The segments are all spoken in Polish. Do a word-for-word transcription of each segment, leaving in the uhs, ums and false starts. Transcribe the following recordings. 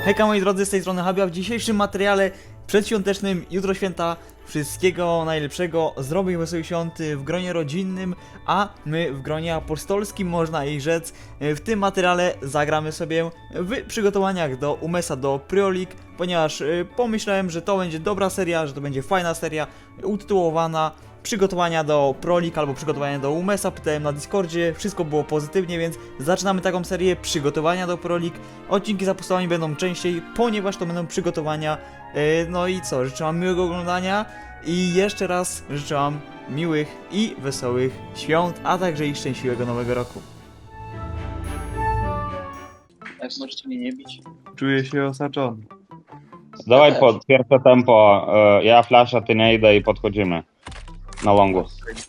Hejka moi drodzy, z tej strony Habia. W dzisiejszym materiale przedświątecznym, jutro święta, wszystkiego najlepszego, zrobię wesołych świąt w gronie rodzinnym, a my w gronie apostolskim, można jej rzec. W tym materiale zagramy sobie w przygotowaniach do Umesa, do Pro League, ponieważ pomyślałem, że to będzie dobra seria, że to będzie fajna seria, utytułowana przygotowania do Pro League albo przygotowania do Umesa. Pytałem na Discordzie, wszystko było pozytywnie, więc zaczynamy taką serię przygotowania do Pro League. Odcinki z apostolami będą częściej, ponieważ to będą przygotowania. Yy, no i co, życzę wam miłego oglądania i jeszcze raz życzę wam miłych i wesołych świąt, a także i szczęśliwego nowego roku. Jak możecie mnie nie bić? Czuję się osaczony. Dawaj też. pod pierwsze tempo, e, ja flasza, ty nie idę i podchodzimy na longu.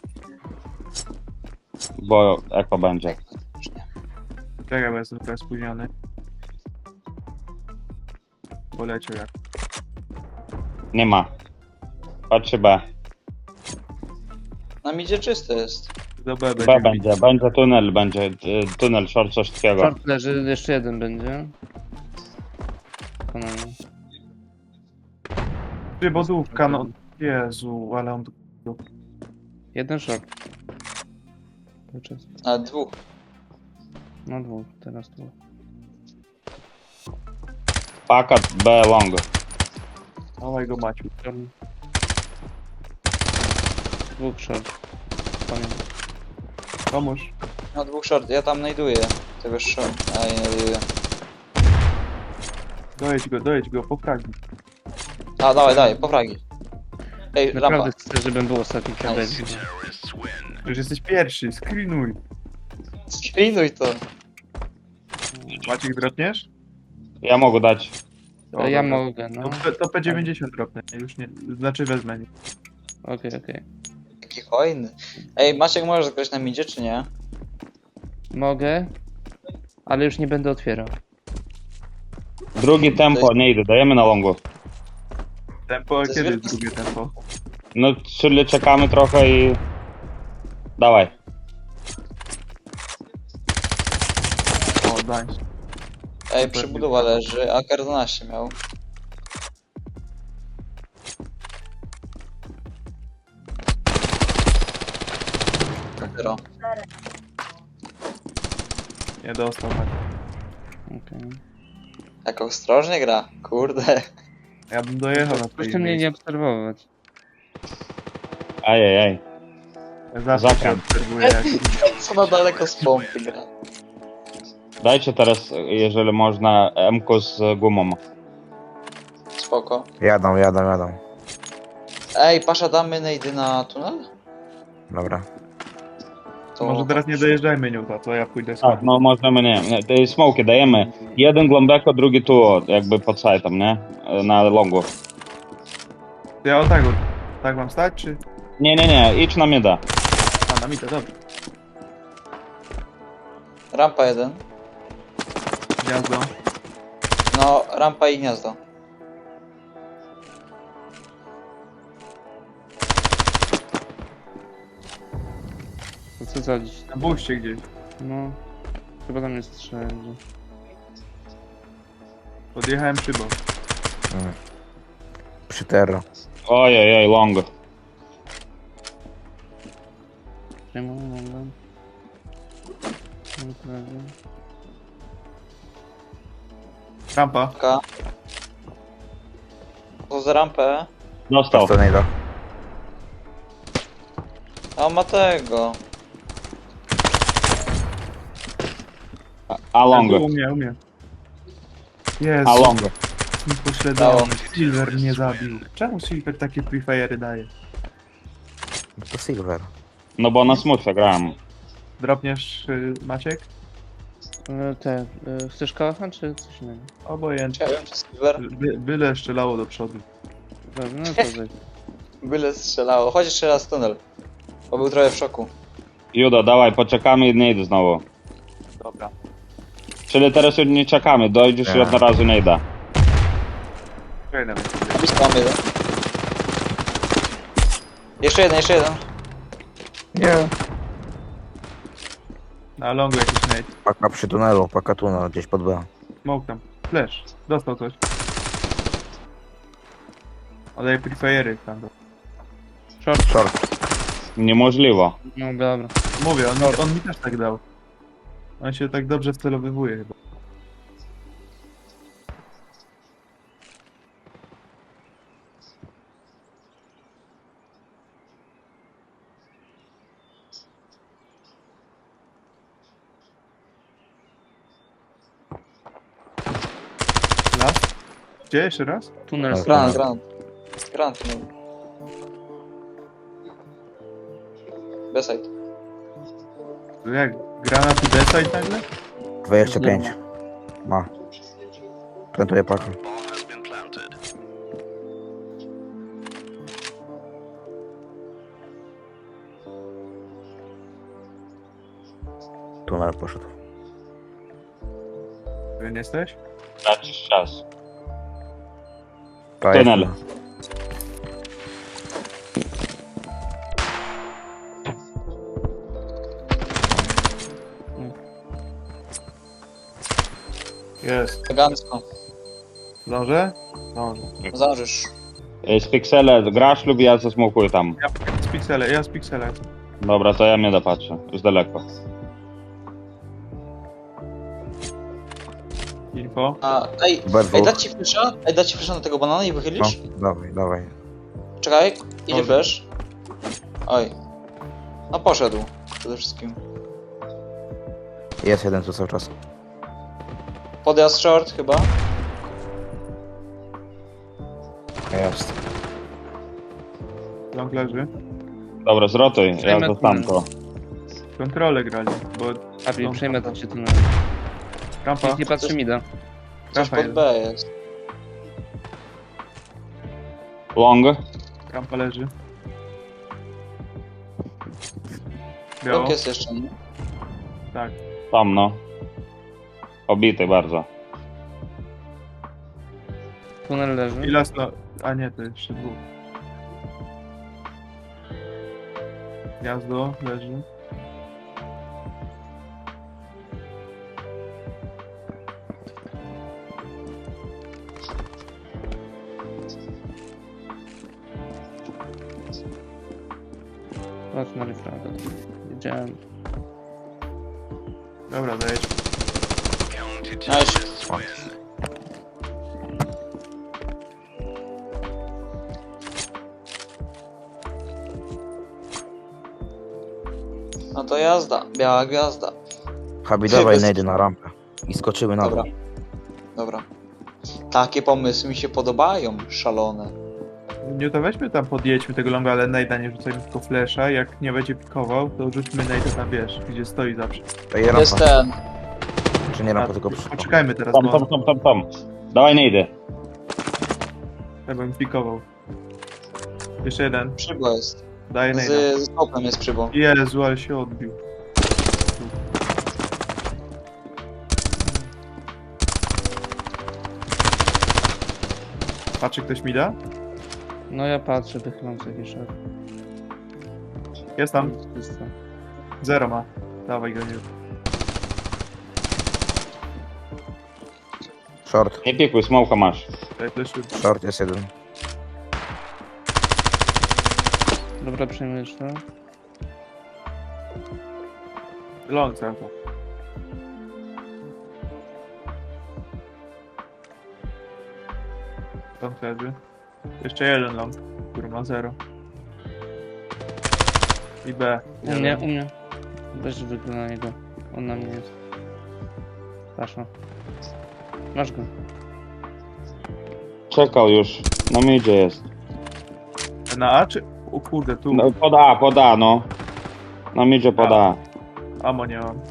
Bo eko będzie. Czekaj, bo jestem trochę spóźniony. Poleciał jak. Nie ma. Patrzy B. Na midzie czyste jest. Do B będzie. B będzie, będzie tunel, będzie e, tunel, short, coś takiego. Short leży, jeszcze jeden będzie. Wykonanie. Przybodówka, no. Jezu, ale on... Jeden short. Cały czas. A dwóch. No dwóch, teraz dwóch. Pakat B long. Dawaj go, Maciu. Dwóch short. Pamiętam. Pomóż. No dwóch short, ja tam znajduję. Tego short. A nie znajduję. Dojedź go, dojedź go, popragnij. A dawaj, dawaj, poprawij. Ej, rampa. Naprawdę chcę, żebym był ostatni kabel. Przecież jesteś pierwszy, screenuj. Screenuj to. Maciek, dropniesz? Ja mogę dać. O, Ja dobra. mogę, no. To, P- to P dziewięćdziesiąt dropnę, już nie, znaczy wezmę. Nie. Okej, okej. Jaki hojny. Ej, Maciek, możesz grać na midzie, czy nie? Mogę, ale już nie będę otwierał. Drugi tempo, nie idę, dajemy na longu. Tempo, To jest kiedy jest wielki- drugie tempo? No, czyli czekamy trochę i... Dawaj. O, daj. Ej, przybudowa leży, a K dwanaście miał. Zero. Nie dostał, Maciek. Okej. Jak ostrożnie gra, kurde. Ja bym dojechał na Proszę twoje mnie nie miejsce. obserwować. Ajajaj. Ja zawsze się Zakręt. obserwuję, jak... Co na daleko z pompy gra. Dajcie teraz, jeżeli można, M-ku z gumą. Spoko. Jadą, jadą, jadą. Ej, Pasza, damy nejdy na tunel? Dobra. To... Może teraz nie dojeżdżajmy nią, to ja pójdę z Tak, no możemy, nie, nie, te smoki dajemy. Jeden głęboko, drugi tu, jakby pod sitem, nie? Na longu. Ja o tak, o- tak mam stać, czy... Nie, nie, nie, idź na mida. A, na mitę, dobrze. Rampa jeden. Gniazdo. No, rampa i gniazdo. To co zadzić? Na buście gdzieś. No. Chyba tam jest strzelanie. Podjechałem szybą. Mm. Przy terro. Ojej, oj, long. Przejmuję, mogę. No prawie. Rampa. K. To za rampę. Dostał. To nie do. A on ma tego. A long. U mnie, u mnie. Jezu, A long. mi pośledzony. Silver mnie zabił. Czemu Silver takie free fire'y daje? To silver. No bo na smutce grałem. Dropniesz, y, Maciek? E, Te, e, chcesz kałacha czy coś innego? Obojętnie. Nie wiem, czy Silver. By, byle strzelało do przodu. Dobrze, no to weź. Byle strzelało. Chodź jeszcze raz w tunel. Bo był trochę w szoku. Judo, dawaj, poczekamy i nie idę znowu. Dobra. Czyli teraz już nie czekamy, dojdziesz i Nie. od razu nie idę. Czekaj na mnie. Blisko mam jeden. Jeszcze jeden, jeszcze jeden. Nie. Na longu jakiś nate. Paka przy tunelu, paka tunel gdzieś pod B. Smoke tam. Flash. Dostał coś. Ale prefajery tam. Short. Short. Niemożliwe. No dobra. Mówię, on, on mi też tak dał. On się tak dobrze wcelowywuje chyba. Las? Gdzie jeszcze raz? Tunel Ale- z Granat, granat. Granat, no. Beside. Jak? Granat i deside nagle? dwadzieścia pięć. Ma. Plantuję pakę. Tunel poszedł. Pewien jesteś? Tracisz czas. To Tunel. jest- Jest. Elegancko. Zdążę? Zdążę. Zdążysz. Z piksele grasz lub ja zasmokuję tam. Ja z piksele, ja z piksele. Dobra, to ja mnie dopatrzę. Z daleko. Info. A, ej, Bardzo. ej, dać ci flesza? Ej, dać ci flesza na tego banana i No, wychylisz? dawaj, dawaj. Czekaj, idzie Dobrze. flash. Oj. No poszedł. Przede wszystkim. Jest jeden tu cały czas. Podjazd short chyba. Jest. Long leży. Dobra, zrotuj. Ja Przejmę zostam tunel. to. Kontrolę grali, bo... Abi, No, przejmę dobra. to cię tunel. Rampa. Nikt nie patrzy mi da. Coś Rampa pod jest. B jest. Long. Rampa leży. Biało. Blok jest jeszcze, nie? Tak. Tam no. Obity bardzo. Tunel leży. I las no... A nie, to jeszcze dwóch. Gniazdo leży. Chodź na refraga. Wiedziałem. Dobra, dajesz. Nice. No to jazda. Biała gwiazda. Habi, Ty, dawaj bez- najdy na rampę. I skoczymy na Dobra. dół. Dobra. Takie pomysły mi się podobają. Szalone. Nie to weźmy tam, podjedźmy tego longa, ale najda nie rzucajmy tylko flesza. Jak nie będzie pikował, to rzućmy najda na wież, gdzie stoi zawsze. To jest Jest rampa. ten. Czy nie rampa, A, tylko przy... Poczekajmy teraz, Tam, bo tam, tam, tam, tam. Dawaj, nie idę. ja bym pikował. Jeszcze jeden. Przybo jest. Daję najda. Z, z skopem jest przybo. Jezu, ale się odbił. Patrzy ktoś mi da? No ja patrzę, wychylam sobie jakiś szef. Jest tam. Czysto. Zero ma. Dawaj go, nie. Short. Nie pikuj, smoka masz. Daj fleszu. Short jest jeden. Dobra, przejmujesz to. Long cały czas. Long leży. Jeszcze jeden long, który ma zero. I B. U mnie, u mnie. Weź wygląda na niego. On na mnie jest. Pasza. Masz go. Czekał już. Na midzie jest. Na A czy... O kurde, tu. No, pod A, pod A, no. Na midzie pod A. Amo nie mam.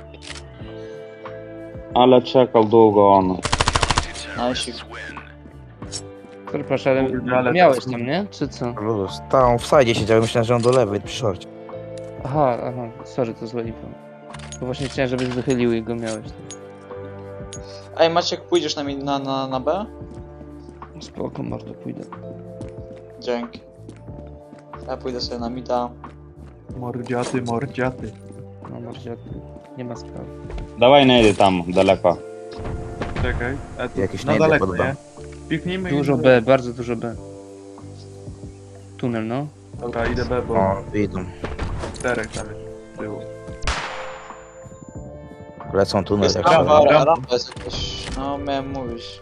Ale czekał długo on. Nice. Który proszę, ale Kurde, ale miałeś to- tam, nie? Czy co? Luz. Tam w sajdzie siedział, myślałem, że on do lewej, przy shorcie. Aha, aha, sorry, to złe info. Bo właśnie chciałem, żebyś wychylił i go miałeś. Ej, Maciek, pójdziesz na, mi- na, na, na B? Spoko, bardzo pójdę. Dzięki. Ja pójdę sobie na mida. Mordziaty, mordziaty. No może nie ma sprawy. Dawaj, nie idę tam, daleko. Czekaj. A tu, Jakieś no najdy daleko, pod nie? B. Piknijmy Dużo i... B, bardzo dużo B. Tunel, no. Dobra, idę B, bo O, idą. czterech tam jest z tyłu. Lecą tunel, Jest jak rampa, szalone. rampa. rampa jest jakaś... No, miałem mówić.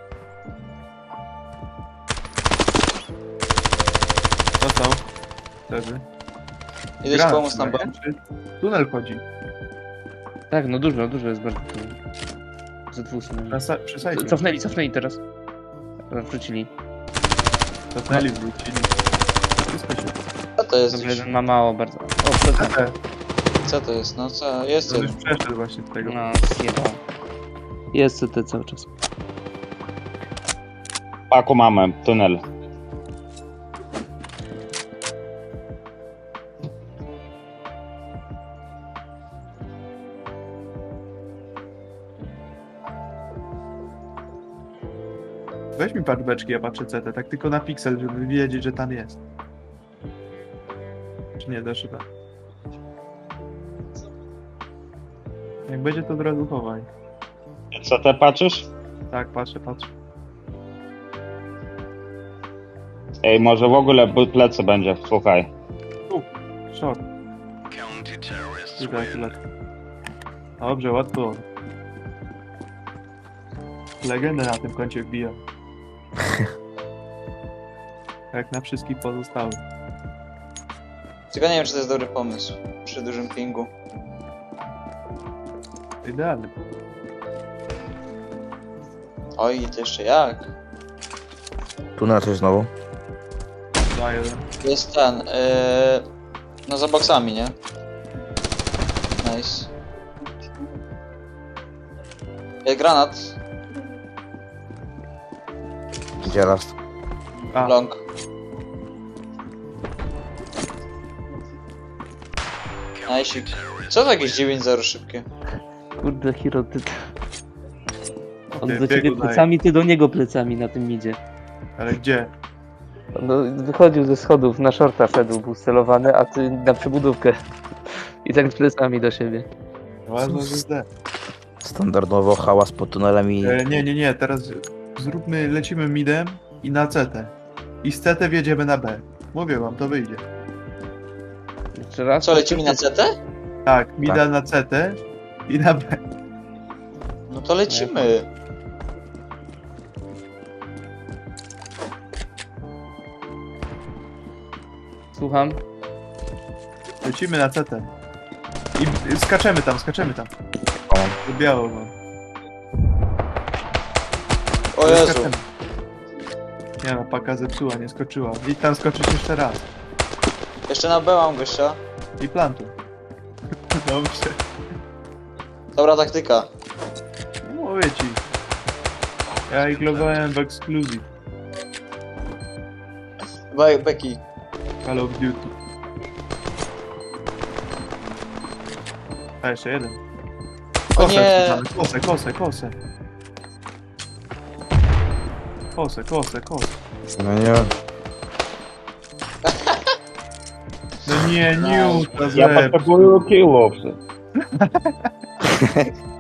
Dostał. Wtedy. Idę ci Granat pomóc na B. chyba, nie? Czy tunel chodzi. Tak, no dużo, dużo jest bardzo tunel. Ze dwóch stron. Na sa- Przy sajcie. Cofnęli, cofnęli teraz. Wrócili. Cofnęli, wrócili. Wszystko się... Co to jest? Dobrze, jeden ma mało bardzo. O, co to? Te, Co to jest? No co? Jest to ten. już przeszedł właśnie z tego. No, zjebał. Jest C T cały czas. Paku mamy, tunel. Weź mi patrz beczki, ja patrzę C T, tak tylko na piksel, żeby wiedzieć, że tam jest. Czy nie dasz chyba? Jak będzie, to od razu chowaj. Co ty patrzysz? Tak, patrzę, patrzę. Ej, może w ogóle b- plecy będzie, słuchaj. Short. Idę akurat. Dobrze, łatwo. Legendę na tym koncie wbija. Jak na wszystkich pozostałych. Tylko nie wiem, czy to jest dobry pomysł. Przy dużym pingu. Idealny. Oj, to jeszcze jak? Tunel coś znowu. Dwa, jeden. Jest ten, yy... No za boksami, nie? Nice. Jest granat. Gdzie raz? A, Long. Nice. Co to jakieś dziewięć zero szybkie? Kurde, Hiro, ty... On Ty, do ciebie biegu daje. plecami, ty do niego plecami na tym midzie. ale gdzie? No, wychodził ze schodów, na shorta szedł, był celowany, a ty na przebudówkę. I tak z plecami do siebie. Ważne, że zde. Standardowo hałas pod tunelem i... E, nie, nie, nie, teraz zróbmy, lecimy midem i na C T. I z C T wjedziemy na B. Mówię wam, to wyjdzie. Jeszcze raz? Co, lecimy na C T? Tak, mida na C T i na B. No to lecimy. Słucham? Lecimy na C T. I skaczemy tam, skaczemy tam. O, Do biało mam. O Jezu. Skaczemy. Nie no, paka zepsuła, nie skoczyła. I tam skoczyć jeszcze raz. Jeszcze na B mam gościa. I plantu. Dobrze. Dobra taktyka. No mówię ci. Ja ich logowałem w Exclusive. Be Becky. Call of Duty. A jeszcze jeden. O Kosę, nie. wrzucamy, kosę, kosę, kosę. Kosę, kosę, kosę. no nie. No nie, nie, Ja zepsuł. potrzebuję killów.